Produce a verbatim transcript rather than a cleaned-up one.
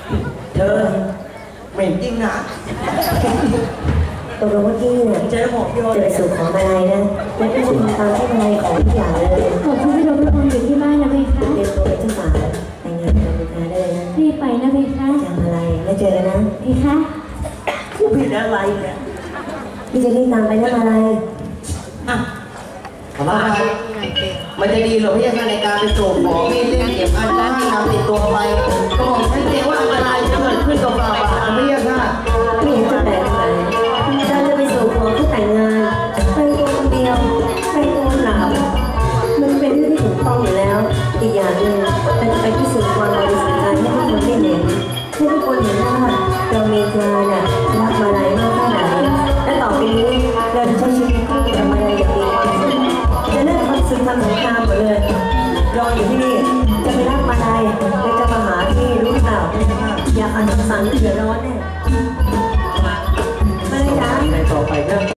เธอเหม็นจริงนะตกลงว่าพี่เนี่ยจะไปสู่ขอมาลัยนะและพี่จะทำตามที่มาลัยของทุกอย่างเลยขอบคุณที่เราทุกคนอยู่ที่บ้านนะเบคะเตรียมตัวเป็นเจ้าสาวแต่งงานกับลูกค้าได้เลยนะรีบไปนะเบคะจะมาลัยแล้วเจอกันนะเบคะกูผิดอะไรเนี่ยพี่จะรีบตามไปนะมาลัยอ่ะมามันจะดีหรอพี่ในการไปสู่ขอมีเรื่องเก็บอันนั้นที่นำติดตัวไปก็บอกให้เรียกว่าอันตรายจะเกิดขึ้นกับเราอ่ะไม่ยากค่ะไม่เห็นจะแปลกอะไรเราจะไปสู่ขอเพื่อแต่งงานไปตัวคนเดียวไปตัวหลามันเป็นเรื่องที่ถูกต้องอยู่แล้วอีกอย่างหนึ่งเราจะไปพิสูจน์ความบริสุทธิ์ใจให้ทุกคนได้เห็นให้ทุกคนเห็นว่าเราเมตตาเนี่ยรักมาลัยมากแค่ไหนและต่อไปนี้เราจะใช้ชีวิตคู่กับมาลัยอย่างมีความสุขจะเลิกทำศึกทำสงครามหมดเลยรออยู่ที่นี่จะไปรักมาลัยและจะมาหาที่รู้ข่าวอยากอ่านคำสั่งเดือดร้อนเนี่ย